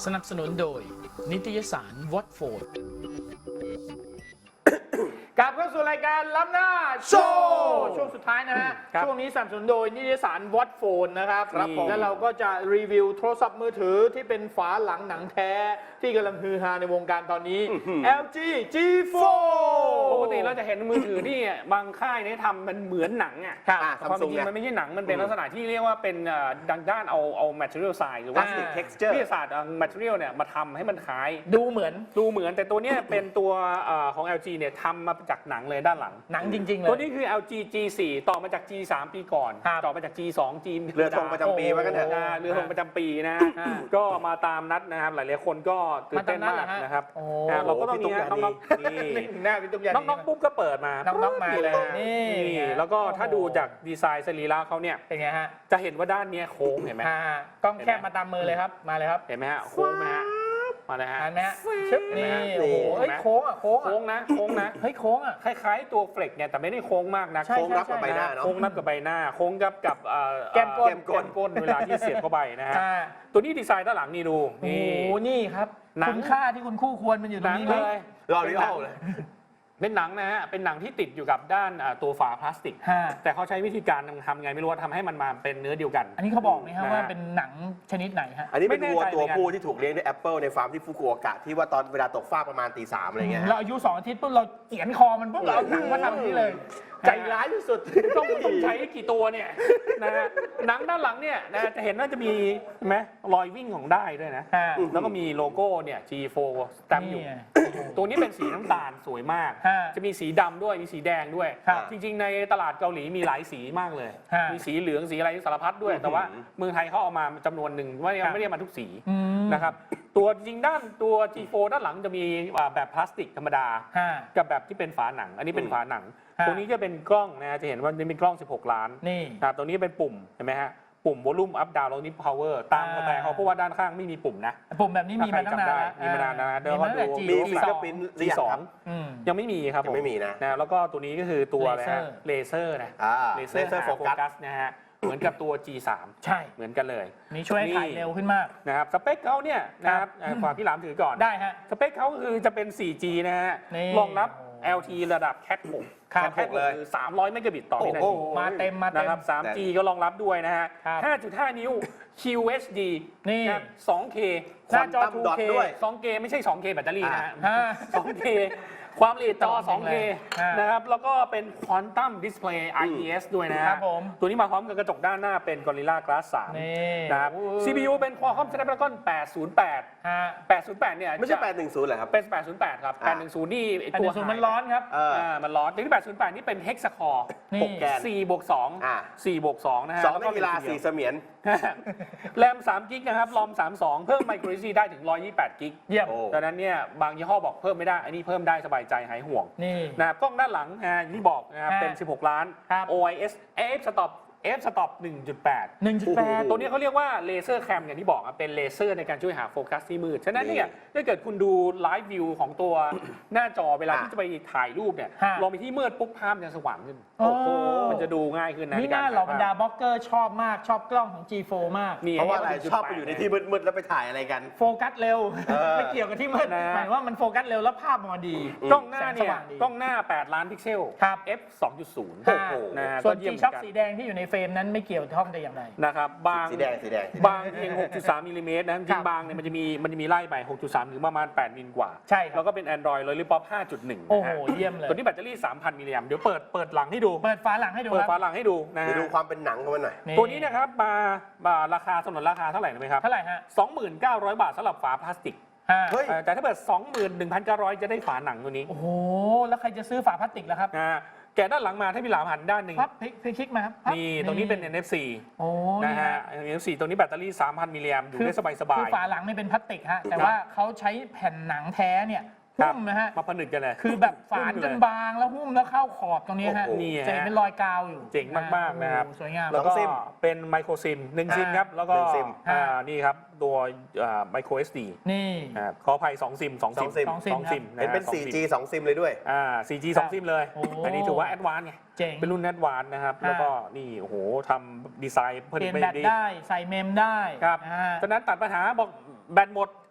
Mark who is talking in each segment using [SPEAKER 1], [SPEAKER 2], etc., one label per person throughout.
[SPEAKER 1] สนับสนุนโดยนิตยสารวอตโฟร์ดกลับเข้าสู่รายการล้ำหน้าโชว์ช่วงสุดท้ายนะฮะช่วงนี้สนับสนุนโดยนิตยสารวอตโฟนนะครับแล้วเราก็จะรีวิวโทรศัพท์มือถือที่เป็นฝาหลังหนังแท้ที่กำลังฮือฮาในวงการตอนนี้ LG G4
[SPEAKER 2] ปกติเราจะเห็นมือถือที่บางค่ายเนี่ยทำมันเหมือนหนังอ่ะความจริงมันไม่ใช่หนังมันเป็นลักษณะที่เรียกว่าเป็นด้านเอา material science หรือว่า
[SPEAKER 3] texture
[SPEAKER 2] วิทยาศาสตร์ material เนี่ยมาทำให้มันคล้าย
[SPEAKER 1] ดูเหมือน
[SPEAKER 2] แต่ตัวเนี้ยเป็นตัวของ LG เนี่ยทำมาจากหนังเลยด้านหลัง
[SPEAKER 1] หนังจริงๆเลย
[SPEAKER 2] ตัวนี้คือ LG G4 ต่อมาจาก G3 ปีก่อนต่อมาจาก G2 G
[SPEAKER 3] เรือธงประจำปีว่ากันเถอะ
[SPEAKER 2] เรือธงประจำปีนะก็มาตามนัดนะครับหลายๆคนก็ตื่นเต้นมากนะครับเราก็ต้องมีน้องๆนี่น้องปุ๊บก็เปิดมา
[SPEAKER 1] น้องๆมาเลย
[SPEAKER 2] นี่แล้วก็ถ้าดูจากดีไซน์สรีระเขาเนี่ย
[SPEAKER 1] เป็นไงฮะ
[SPEAKER 2] จะเห็นว่าด้านนี้โค้งเห็นไหม
[SPEAKER 1] กล้องแคบมาตามมือเลยครับมาเลยครับ
[SPEAKER 2] เห็นไหมฮะโค้งไหมฮะมาเลยฮะ
[SPEAKER 1] เห็นไหมฮะชึบนี่โอ้โหโค้งอ่ะโค้ง
[SPEAKER 2] นะ
[SPEAKER 1] เฮ้ยโค้งอ่ะ
[SPEAKER 2] คล้ายๆตัวเฟล็กเนี่ยแต่ไม่ได้โค้งมากนะ
[SPEAKER 3] โค้งรับกับใบหน้าเนาะ
[SPEAKER 2] โค้งรับกับใบหน้าโค้งกับ
[SPEAKER 1] แก้ม
[SPEAKER 2] ก้นเวลาที่เสียบเข้าไปนะฮะตัวนี้ดีไซน์ด้านหลังนี่ดู
[SPEAKER 1] โอ้โหนี่ครับคุณค่าที่คุณคู่ควรมันอยู่ตรงนี้
[SPEAKER 2] เลย
[SPEAKER 3] รอริโอเลย
[SPEAKER 2] เป็นหนังนะฮะเป็นหนังที่ติดอยู่กับด้านตัวฝาพลาสติกแต่เขาใช้วิธีการทำไงไม่รู้ว่าทำให้มันมาเป็นเนื้อเดียวกัน
[SPEAKER 1] อันนี้เขาบอกไหมครับว่าเป็นหนังชนิดไหนฮะ
[SPEAKER 3] อันนี้เป็นวัวตัวผู้ที่ถูกเลี้ยงด้วยแอปเปิลในฟาร์มที่ฟุกุโอกะที่ว่าตอนเวลาตกฟากประมาณตี 3อะไรเงี้ย
[SPEAKER 1] เราอายุ2 อาทิตย์ปุ๊บเราเขียนคอมันปุ๊บเราเอาหนังมาทำนี่เลย
[SPEAKER 3] ใจร้ายที่สุด
[SPEAKER 2] ต้องใช้กี่ตัวเนี่ยนะฮะหนังด้านหลังเนี่ยนะจะเห็นว่าจะมีไหมรอยวิ่งของได้ด้วยนะแล้วก็มีโลโก้เนี่ย G4 สแตมป์อยู่ตัวนี้เป็นสีน้ำตาลสวยมากจะมีสีดำด้วยมีสีแดงด้วยจริงๆในตลาดเกาหลีมีหลายสีมากเลยมีสีเหลืองสีอะไรสารพัดด้วยแต่ว่าเมืองไทยเขาเอามาจำนวนหนึ่งว่าไม่ได้มาทุกสีนะครับตัวจริงด้านตัว G4 ด้านหลังจะมีแบบพลาสติกธรรมดากับแบบที่เป็นฝาหนังอันนี้เป็นฝาหนังตรงนี้จะเป็นกล้องนะจะเห็นว่านี่เป็นกล้อง16 ล้าน
[SPEAKER 1] นี่
[SPEAKER 2] ตรงนี้เป็นปุ่มเห็นไหมฮะปุ่ม volume up down แล้วนี้ power ตามสไตล์เขาเพราะว่าด้านข้างไม่มีปุ่มนะ
[SPEAKER 1] ปุ่มแบบนี้มีมาตั้งนาน
[SPEAKER 2] มีมานานนะเดี๋ยว
[SPEAKER 3] เราดูมีฟิงเกอร์พิ้น
[SPEAKER 2] G2 ยังไม่มีครับ
[SPEAKER 3] ยังไม่มีนะ
[SPEAKER 2] แล้วก็ตัวนี้ก็คือตัวอะไรฮะเลเซอร์นะ
[SPEAKER 3] เลเซอร์โฟกัส
[SPEAKER 2] นะฮะเหมือนกับตัว G3
[SPEAKER 1] ใช่
[SPEAKER 2] เหมือนกันเลย
[SPEAKER 1] นี่ช่วยถ่ายเร็วขึ้นมาก
[SPEAKER 2] นะครับสเปคเขาเนี่ยนะครับฝากพี่หลามถือก่อน
[SPEAKER 1] ได้ฮะ
[SPEAKER 2] สเปคเขาคือจะเป็น 4G นะฮะรองรับ LTE ระดับ Cat 6เลย300 เมกะบิตต่อวินาที
[SPEAKER 1] มาเต็ม
[SPEAKER 2] นะครับ 3G ก็รองรับด้วยนะฮะ 5.5 นิ้ว QHD
[SPEAKER 1] นี่
[SPEAKER 2] 2K
[SPEAKER 1] หน้าจอ 2K
[SPEAKER 2] 2K ไม่ใช่ 2K แบตเตอรี่นะฮะ 2K ความละเอียดจอ 2K นะครับแล้วก็เป็น Quantum Display IPS ด้วยนะตัวนี้มาพร้อมกับกระจกด้านหน้าเป็น Gorilla Glass 3นะครับ CPU เป็น Qualcomm Snapdragon 808เนี่ย
[SPEAKER 3] ไม่ใช่810เหรอครับ
[SPEAKER 2] เป็น808ครับ810นี่ตัว
[SPEAKER 1] มันร้อนครับ
[SPEAKER 2] มันร้อนที่808นี่เป็น Hexa Core
[SPEAKER 3] 6 แกน
[SPEAKER 2] 4/2นะฮะ
[SPEAKER 3] 2ในกีฬา4เสมียน
[SPEAKER 2] แรม3กิกนะครับรอม32เพิ่ม Micro SD ได้ถึง128กิก
[SPEAKER 1] เยี่ยม
[SPEAKER 2] ดังนั้นเนี่ยบางยี่ห้อบอกเพิ่มไม่ได้อันนี้เพิ่มได้สบายใจหายห่วงนะครับกล้องด้านหลังอย่างที่บอกนะครับเป็น16 ล้าน OIS f-stop 1.8 ตัวนี้เขาเรียกว่าเลเซอร์แคมอย่างที่บอกเป็นเลเซอร์ในการช่วยหาโฟกัสที่มืดฉะนั้นเนี่ยถ้าเกิดคุณดูไลฟ์วิวของตัวหน้าจอเวลาที่จะไปถ่ายรูปเนี่ยลองไปที่มืดปุ๊บภาพจะสว่างขึ้นมันจะดูง่ายขึ้นนะ
[SPEAKER 1] นี่น่าเหล่าบรรดาบล็อกเกอร์ชอบมากชอบกล้องของ G4 มาก
[SPEAKER 3] เพราะว่าอะไรชอบไปอยู่ในที่มืดๆแล้วไปถ่ายอะไรกัน
[SPEAKER 1] โฟกัสเร็วไม่เกี่ยวกับที่มืดหมายว่ามันโฟกัสเร็วแล้วภาพมันดี
[SPEAKER 2] กล้องหน้าเนี่ยกล้องหน้า8 ล้านพิกเซลf 2.0
[SPEAKER 1] ส่วน G Shock สีแดงที่อยู่ในเฟรมนั้นไม่เกี่ยวท่องแต่อย่างใด
[SPEAKER 2] นะครับบาง
[SPEAKER 3] สีแดง
[SPEAKER 2] บางเพียง 6.3 มิลลิเมตรนะจริงบางเนี่ยมันจะมีไล่ไป 6.3 ถึงประมาณ 8 มิลกว่า
[SPEAKER 1] ใช่
[SPEAKER 2] แล้วก็เป็น Android Lollipop 5.1
[SPEAKER 1] โอ้โหเยี่ยมเลย
[SPEAKER 2] ตัวนี้แบตเตอรี่ 3,000 มิลลิแอมป์เดี๋ยวเปิดหลังให้ดู
[SPEAKER 1] เปิดฝาหลังให้ดู
[SPEAKER 2] เปิดฝาหลังให้ดูนะ
[SPEAKER 3] ดูความเป็นหนังของมันหน่อย
[SPEAKER 2] ตัวนี้นะครับมาราคาสนนราคาเท่าไหร่ไหมครับ
[SPEAKER 1] เท่าไหร่ฮะ
[SPEAKER 2] 29,000 บาทสำหรับฝาพลาสติกแต่ถ้าเปิด 21,900 จะได้ฝาหนังตัวนี้
[SPEAKER 1] โอ้โหแล้วใครจะซื้อฝาพลาสติกล่ะครับ
[SPEAKER 2] แกะด้านหลังมาถ้าพี่หลามหันด้านหนึ่ง
[SPEAKER 1] ครับพลิกคลิกมาครับ
[SPEAKER 2] นี่ตรงนี้เป็น NFC นะฮะ NFC ตรงนี้แบตเตอรี่ 3,000 มิลลิแอมป์อยู่ได้สบายๆ
[SPEAKER 1] คือฝาหลังนี่เป็นพลาสติกฮะแต่ว่าเขาใช้แผ่นหนังแท้เนี่ยหุ้มนะฮะ
[SPEAKER 2] มาผนึกกันเลย
[SPEAKER 1] คือแบบฝานจนบางแล้วหุ้มแล้วเข้าขอบตรงนี้ฮะจะเป็นรอยกาวอยู่
[SPEAKER 2] เจ๋งมากๆนะครับ
[SPEAKER 1] สวยงาม
[SPEAKER 2] แล้วก็เป็นไมโครซิม1ซิมครับแล้วก็นี่ครับตัวไมโคร SD
[SPEAKER 1] นี่
[SPEAKER 2] ขออภัย2ซิม2ซิม
[SPEAKER 3] เป็น 4G 2 ซิมเลยด้วย
[SPEAKER 2] 4G 2 ซิมเลยอันนี้ถือว่าแอดวานซ์ไงเป็นรุ่นแอดวานซ์นะครับแล้วก็นี่โอ้โหทำดีไซน์
[SPEAKER 1] เปลี่ยนแบตได้ใส่เมมได้
[SPEAKER 2] ครับฉะนั้นตัดปัญหาบอกแบตหมด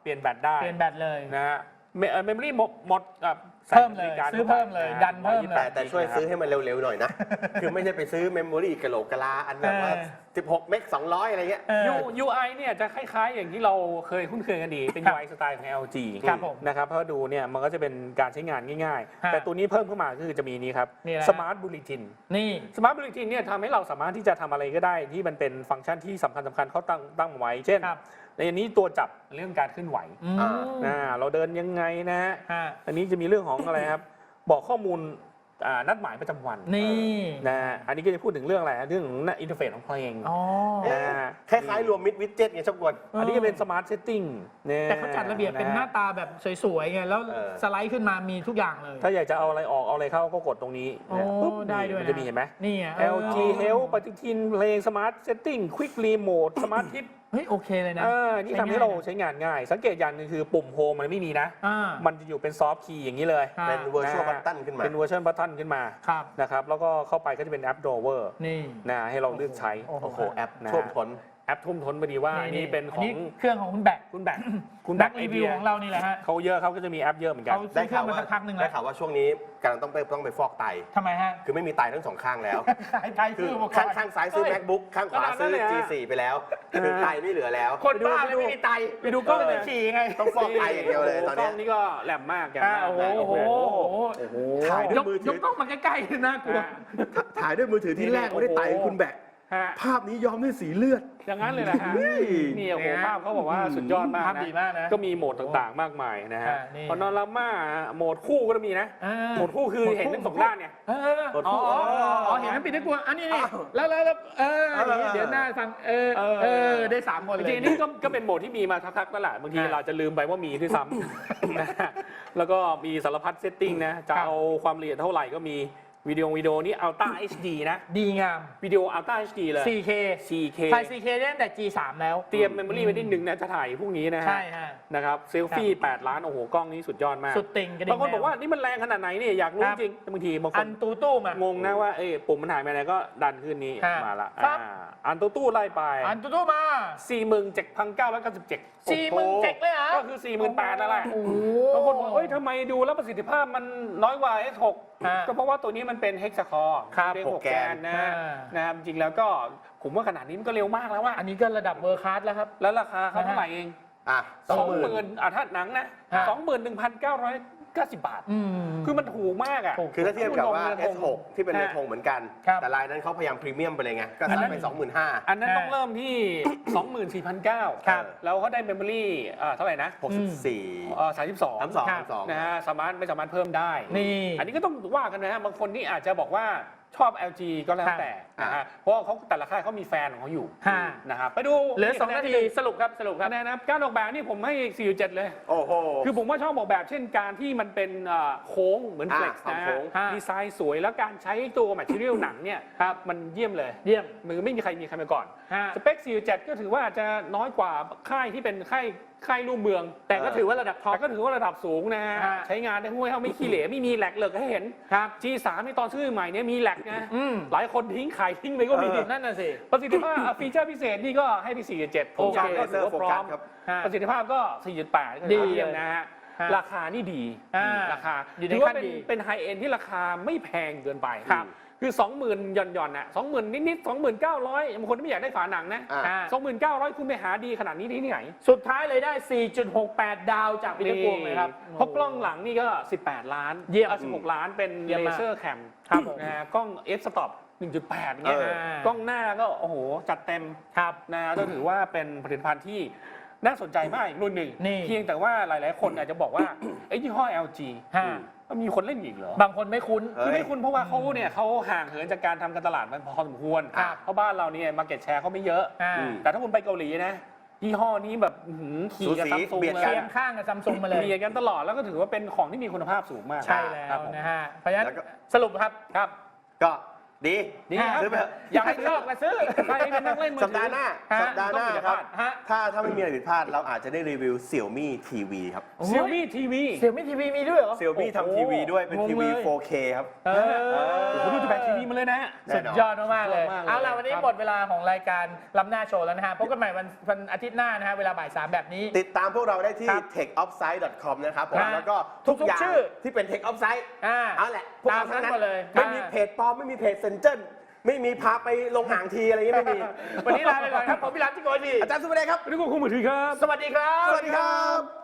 [SPEAKER 2] เปลี่ยนแบตได้
[SPEAKER 1] เปลี่ยนแบตเลย
[SPEAKER 2] นะฮะเมมโมรี่หมด
[SPEAKER 1] เพิ่มเลยซื้อเพิ่มเลยดันเพิ่มเลย
[SPEAKER 3] แต่ช่วยซื้อให้มันเร็วๆหน่อยนะ คือไม่ใช่ไปซื้อเมมโมรี่กะโหลกกะลาอันแบบว่า16 เมก 200 อะไรเงี้ย
[SPEAKER 2] UI เนี่ยจะคล้ายๆ อย่างที่เราเคยคุ้นเคยกันดีเป็น UI สไตล์ของ LG
[SPEAKER 1] ครับผม
[SPEAKER 2] นะครับเพราะดูเนี่ยมันก็จะเป็นการใช้งานง่ายๆ แต่ตัวนี้เพิ่มเข้ามาก็คือจะมีนี้ครับ
[SPEAKER 1] นี่แหละ
[SPEAKER 2] Smart Bulletin
[SPEAKER 1] นี่
[SPEAKER 2] Smart Bulletin เนี่ยทำให้เราสามารถที่จะทำอะไรก็ได้ที่มันเป็นฟังก์ชันที่สำคัญเขาตั้งไว้ เช่น
[SPEAKER 1] ครับ
[SPEAKER 2] ในอันนี้ตัวจับเรื่องการเคลื่อนไหว เราเดินยังไงนะฮะ อันนี้จะมีเรื่องของอะไรครับ บอกข้อมูลนัดหมายประจำวัน
[SPEAKER 1] นี่
[SPEAKER 2] นะฮะอันนี้ก็จะพูดถึงเรื่องอะไรเรื่องของอินเทอร์เฟซของเพลง
[SPEAKER 1] อ๋อ
[SPEAKER 2] นะฮะ
[SPEAKER 3] คล้ายๆรวมมิดวิดเจ็ตไงชอบกวน
[SPEAKER 2] อันนี้ก็เป็น Smart Setting เนี่ย
[SPEAKER 1] แต่เขาจัดระเบียบเป็นหน้าตาแบบสวยๆไงแล้ว
[SPEAKER 3] เออ
[SPEAKER 1] สไลด์ขึ้นมามีทุกอย่างเลย
[SPEAKER 2] ถ้าอยากจะเอาอะไรออกเอาอะไรเข้าก็กดตรงนี้
[SPEAKER 1] โอ้
[SPEAKER 2] นะปุ๊บ
[SPEAKER 1] ได้ด้วย
[SPEAKER 2] มัน
[SPEAKER 1] นะ
[SPEAKER 2] จะมีเห็นไหม
[SPEAKER 1] นี่ไง
[SPEAKER 2] LG Health ปฏิทินเพลง Smart Setting Quick Remote Smart Tip
[SPEAKER 1] เฮ้ยโอเคเลยนะ
[SPEAKER 2] นี่ทำให้เราใช้งานง่าย สังเกตอย่างหนึงคือปุ่มโฮมมันไม่มีนะ มันจะอยู่เป็นซอฟต์คีย์อย่างนี้เลย
[SPEAKER 3] เป็น virtual button ขึ้นมา
[SPEAKER 2] เป็น virtual button ขึ้นมา
[SPEAKER 1] ครับ
[SPEAKER 2] นะครับแล้วก็เข้าไปก็จะเป็นแอป Drawer
[SPEAKER 1] นี่
[SPEAKER 2] นะให้เราเลือกใช้
[SPEAKER 1] โอ้โห
[SPEAKER 3] โอ้โห แอป
[SPEAKER 2] นะ
[SPEAKER 3] ท่วมท้น
[SPEAKER 2] แอปทุ่มท้นพอดีว่าอันนี้เป็นของ
[SPEAKER 1] เครื่องของคุณแบก
[SPEAKER 2] คุณแบกคุณ
[SPEAKER 1] แบ
[SPEAKER 2] แบ
[SPEAKER 1] ก
[SPEAKER 2] ก
[SPEAKER 1] รีวิวของเรานี่แหละฮะ
[SPEAKER 2] เขาเยอะเขาก็จะมีแอปเยอะเหมือนกัน
[SPEAKER 1] เขาซื้อเครื่องมาสักพักหนึ่ง
[SPEAKER 3] ได้
[SPEAKER 1] แล้ว
[SPEAKER 3] ข่าวว่าช่วงนี้กำลังต้องไปฟอกไต
[SPEAKER 1] ทำไมฮะ
[SPEAKER 3] คือไม่มีไตทั้งสองข้างแล้ว
[SPEAKER 1] ขายไทย
[SPEAKER 3] คื
[SPEAKER 1] ซื้
[SPEAKER 3] อ
[SPEAKER 1] ออุปกร
[SPEAKER 3] ข้าง
[SPEAKER 1] ณ์
[SPEAKER 3] ข้างซ้ายซื้อ MacBook ข้างขวาซื้อ G4 ไปแล้วคือไตไม่เหลือแล้ว
[SPEAKER 1] คนบ้าเลยไม่มีไต
[SPEAKER 2] ไปดูกล้อง
[SPEAKER 1] ไป
[SPEAKER 2] เลย
[SPEAKER 1] ฉี่ไง
[SPEAKER 3] ต้องฟอกไตอย่างเดียวเลยตอน
[SPEAKER 2] กล้
[SPEAKER 3] เนี้
[SPEAKER 2] อย งนี่ก็แหลมมากแก
[SPEAKER 1] โอ้โหโอ้โห
[SPEAKER 3] โอ้โหถ่ายด้วยมือถื
[SPEAKER 1] ย
[SPEAKER 3] อ
[SPEAKER 1] กกล้องมาใกล้ๆน่ากลัว
[SPEAKER 3] ถ่ายด้วยมือถือที่แรกไม่ได้ไตคุณแบก
[SPEAKER 2] ฮะ
[SPEAKER 3] ภาพนี้ย้อมด้วยสีเลือด
[SPEAKER 2] อย่างนั้นเลยนะฮะ นี่โอ้โหภาพเขาบอกว่าสุดยอดมาก
[SPEAKER 1] ภาพ
[SPEAKER 2] นะ
[SPEAKER 1] ดีมากนะ
[SPEAKER 2] ก็มีโหมดต่างๆ มากมายนะฮะ
[SPEAKER 1] นี่
[SPEAKER 2] พอนอราม่าโหมดคู่ก็จะมีนะ โหมดคู่คือเห็นทั้งสองด้านเนี่ย
[SPEAKER 1] อ๋อเห็นนั้นปิดได้กลัวอันนี้นี่แล้วเดี๋ยวหน้าฟังได้3 คนเลย
[SPEAKER 2] จริงๆนี่ก็เป็นโหมดที่มีมาสักพักแล้วแหละบางทีเราจะลืมไปว่ามีด้วยซ้ำนะฮะแล้วก็มีสารพัดเซตติ้งนะ จะเอาความละเอียดเท่าไหร่ก็มีวิดีโอนี่ Ultra HD นะ
[SPEAKER 1] ดีงาม
[SPEAKER 2] วิดีโอ Ultra HD เลย
[SPEAKER 1] 4K
[SPEAKER 2] 4K
[SPEAKER 1] ถ่าย 4K ได้ตั้งแต่ G3 แล้ว
[SPEAKER 2] เตรียมเมมโมรี่ไว้นิดนึงนะจะถ่ายพรุ่งนี้นะฮะ
[SPEAKER 1] ใช่ฮะ
[SPEAKER 2] นะครับเซลฟี่8 ล้านโอ้โหกล้องนี้สุดยอดมาก
[SPEAKER 1] สุดติ่งกระดิ่ง
[SPEAKER 2] บางคนบอกว่านี่มันแรงขนาดไหนเนี่ยอยากรู้จริงแต่บางทีบางค
[SPEAKER 1] อั
[SPEAKER 2] น
[SPEAKER 1] นตู้มาง
[SPEAKER 2] งนะว่าปุ่มมันหายไปไหนก็ดันขึ้นนี้
[SPEAKER 1] ฮะ
[SPEAKER 2] มาละ
[SPEAKER 1] ครับ
[SPEAKER 2] อันตู้ไล่ไป
[SPEAKER 1] อันตู้มา
[SPEAKER 2] 47,997
[SPEAKER 1] 47,000เลยเหรอ
[SPEAKER 2] ก็คือ 48,000แล้วแหละ
[SPEAKER 1] โอ้โห
[SPEAKER 2] บางคนบอกเอ้ยทำไมดูแล้วประสิทธิภาพมันน้อยกว่า S6
[SPEAKER 1] ฮะ
[SPEAKER 2] ก็เพราะว่าตัวนี้มันเป็น Hexa-core
[SPEAKER 1] ครับ
[SPEAKER 2] เรียก
[SPEAKER 3] 6
[SPEAKER 2] 6 แกนนะ
[SPEAKER 1] อ่า
[SPEAKER 2] นะครับจริงแล้วก็ผมว่าขนาดนี้มันก็เร็วมากแล้วว่า
[SPEAKER 1] อันนี้ก็ระดับเวอร์คลาสแล้วครับ
[SPEAKER 2] แล้วราคาเขาเท่าไหร่เอง
[SPEAKER 3] อ่ะ
[SPEAKER 2] 20,000ถ้าหนังนะ
[SPEAKER 1] ฮะ
[SPEAKER 2] 21,990 บาท
[SPEAKER 1] อืม
[SPEAKER 2] คือมันถูกมากอ่ะ
[SPEAKER 1] ถูก
[SPEAKER 3] คือถ้าเทียบกับว่า S6 ที่เป็น
[SPEAKER 2] ฮะ
[SPEAKER 3] เรือธงเหมือนกัน
[SPEAKER 1] ครับ
[SPEAKER 3] แต่ลายนั้นเขาพยายามพรีเมียมไปเลยไง ก็
[SPEAKER 2] อันนั้
[SPEAKER 3] ซัด
[SPEAKER 2] น
[SPEAKER 3] ไป 25,000
[SPEAKER 2] อันนั้นต้องเริ่มที่ 24,900
[SPEAKER 1] ครับ
[SPEAKER 2] แล้วเขาได้เมมโมรี่เท่าไหร่นะ
[SPEAKER 3] 64
[SPEAKER 2] 32 นะฮะไม่สามารถเพิ่มได้
[SPEAKER 1] นี่
[SPEAKER 2] อันนี้ก็ต้องว่ากันนะฮะบางคนนี่อาจจะบอกว่าชอบ LG ก็แล้วแต่นะฮะเพราะว่าเขาแต่ละค่ายเขามีแฟนของเขาอยู่
[SPEAKER 1] ฮะ
[SPEAKER 2] นะครับไปดู
[SPEAKER 1] เหลือ2 นาทีสรุปครับ
[SPEAKER 2] คะแนนนะครับการออกแบบนี่ผมให้ 4.7 เลย
[SPEAKER 3] โอ้โห
[SPEAKER 2] คือผมว่าชอบออกแบบเช่นการที่มันเป็นโค้งเหมือน Flex
[SPEAKER 3] ความ
[SPEAKER 2] นะ
[SPEAKER 3] โค้ง
[SPEAKER 2] ดีไซน์สวยแล้วการใช้ตัวแมทเทียลหนังเนี่ยครับมันเยี่ยมเลย
[SPEAKER 1] เยี่ยม
[SPEAKER 2] มือไม่มีใครมาก่อน
[SPEAKER 1] ฮะ
[SPEAKER 2] สเปค 4.7 ก็ถือว่าอาจจะน้อยกว่าค่ายที่เป็นค่ายรูปเมือง
[SPEAKER 1] แต่ก็ถือว่าระดับท็อป
[SPEAKER 2] แต่ก็ถือว่าระดับสูงนะฮะ
[SPEAKER 1] ฮะ
[SPEAKER 2] ใช้งานได้ห้วยเท่าไม่ขี้เหร่ไม่มีแหลกเหลิกให้เห็น
[SPEAKER 1] ครับ
[SPEAKER 2] G3 ในตอนซื้อใหม่เนี่ยมีแหลกนะ หลายคนทิ้งขายทิ้งไปก็มี
[SPEAKER 1] นั่นน่ะสิ
[SPEAKER 2] ประสิทธิภาพฟีเจอร์พิเศษนี่ก็ให้ไป 4.7 ผมว่าก็ถือว่าพร้อม
[SPEAKER 3] ครับ
[SPEAKER 1] ฮะ
[SPEAKER 2] ประสิทธิภาพก็ 4.8 ก็
[SPEAKER 1] ดี
[SPEAKER 2] เยี่ยมนะฮะ
[SPEAKER 1] ฮะ
[SPEAKER 2] ราคานี่ดี ราคา
[SPEAKER 1] อยู่ใน
[SPEAKER 2] ถือว่า
[SPEAKER 1] ขั้นดี
[SPEAKER 2] เป็นไฮเอ็นที่ราคาไม่แพงเกินไป
[SPEAKER 1] ครับ
[SPEAKER 2] คือ 20,000หย่อนๆน่ะ20,000 นิดๆ 29,000บางคนไม่อยากได้ฝาหนังนะ
[SPEAKER 3] อ่า
[SPEAKER 2] 29,000 คุณไปหาดีขนาดนี้ที่ไหน
[SPEAKER 1] สุดท้ายเลยได้ 4.68 ดาวจากวิดีโอเลยครับ
[SPEAKER 2] เพราะกล้องหลังนี่ก็ 18 ล้าน
[SPEAKER 1] เยี่ยม
[SPEAKER 2] 16 ล้านเป็น
[SPEAKER 1] เยี่ยม
[SPEAKER 2] เล
[SPEAKER 1] มาก
[SPEAKER 2] เซอร์แคม
[SPEAKER 1] ครับผม
[SPEAKER 2] นะฮะกล้อง f stop 1.8เงี้ย กล้องหน้าก็โอ้โหจัดเต็ม
[SPEAKER 1] ครับ
[SPEAKER 2] นะก็ถือว่าเป็นผลิตภัณฑ์ที่น่าสนใจมากอีกรุ่นหนึ่ง
[SPEAKER 1] นี่
[SPEAKER 2] เพียงแต่ว่าหลายๆ คนอาจจะบอกว่าไอ้ยี่ห้อ LG
[SPEAKER 1] ฮะ
[SPEAKER 2] มันมีคนเล่นอีกเหรอ
[SPEAKER 1] บางคนไม่คุ้น
[SPEAKER 2] คือไม่คุณเพราะว่าเขาห่างเหินจากการทำการตลาดมันพอสมควร
[SPEAKER 1] ครับ
[SPEAKER 2] เพราะบ้านเราเนี่ยมาเก็ตแชร์เขาไม่เยอะ
[SPEAKER 1] อ่า
[SPEAKER 2] แต่ถ้าคุณไปเกาหลีนะยี่ห้อนี้แบบขี่กับ
[SPEAKER 3] สูสี
[SPEAKER 2] ซัมซุง
[SPEAKER 3] เบียด
[SPEAKER 2] เล
[SPEAKER 3] กั
[SPEAKER 1] เคี
[SPEAKER 2] ย
[SPEAKER 1] ยงข้างกับซัมซุงมาเลย
[SPEAKER 2] เบียดกันตลอดแล้วก็ถือว่าเป็นของที่มีคุณภาพสูงมาก
[SPEAKER 1] ใช่แล้
[SPEAKER 2] ครั
[SPEAKER 1] ว
[SPEAKER 2] บผม
[SPEAKER 1] นะฮะ เพราะฉะนั้น
[SPEAKER 3] แล้วก็
[SPEAKER 1] สรุปครับ
[SPEAKER 2] ครับ
[SPEAKER 3] ก็ดี
[SPEAKER 2] ดีครับ
[SPEAKER 3] ซื้อไปเถอะ
[SPEAKER 1] อยากให้ชอบก็ซื้อ
[SPEAKER 2] ใครเป็นนักเล่นมือ
[SPEAKER 3] สัป
[SPEAKER 2] ถื
[SPEAKER 3] ดาห์หน้า
[SPEAKER 1] ฮะ
[SPEAKER 3] สัปดาห์หน้าครับ
[SPEAKER 1] ฮะ
[SPEAKER 3] ถ้าไม่มีอะไรผิดพลาดเราอาจจะได้รีวิว Xiaomi TV ครับ
[SPEAKER 2] เซี่ยมี่ทีวี
[SPEAKER 1] เสี่ยมี่ทีวีมีด้วยเหรอ
[SPEAKER 3] Xiaomi ทำทีวีด้วยเป็นทีวี 4K ครับ
[SPEAKER 2] ผมดูจะแบกทีวีมาเลยนะ
[SPEAKER 1] สุดยอดมากๆเลย
[SPEAKER 2] สุดยอดมากเลย
[SPEAKER 1] เอาล่ะวันนี้
[SPEAKER 2] ครับ
[SPEAKER 1] หมดเวลาของรายการล้ำหน้าโชว์แล้วนะฮะพบกันใหม่วันอาทิตย์หน้านะฮะเวลาบ่าย 3แบบนี้
[SPEAKER 3] ติดตามพวกเราได้ที่
[SPEAKER 1] ครับ
[SPEAKER 3] techoffsite.com นะครับผม
[SPEAKER 1] ฮะ
[SPEAKER 3] แล้วก็
[SPEAKER 1] ทุ
[SPEAKER 3] ทุ
[SPEAKER 1] ก
[SPEAKER 3] กอย่าง
[SPEAKER 1] ชื่อ
[SPEAKER 3] ที่เป็น Tech Offsite เอาแหละพวก
[SPEAKER 1] ตาม
[SPEAKER 3] เราทั้ง
[SPEAKER 1] นั้
[SPEAKER 3] นั้น น
[SPEAKER 1] หมดเลย
[SPEAKER 3] ไม่มีเพจปลอมไม่มีเพจเซนเจนไม่มีพาไปลงห่างทีอะไรอย่างเงี้ยไม่มี
[SPEAKER 1] วันนี้ลาไปก่อนครับผมพิรัตที่โกดี
[SPEAKER 3] อาจารย์สุภเดชครับ
[SPEAKER 2] นี่ก็คงมือถือครับ
[SPEAKER 1] สวัสดีครับ
[SPEAKER 3] สวัสดีครับ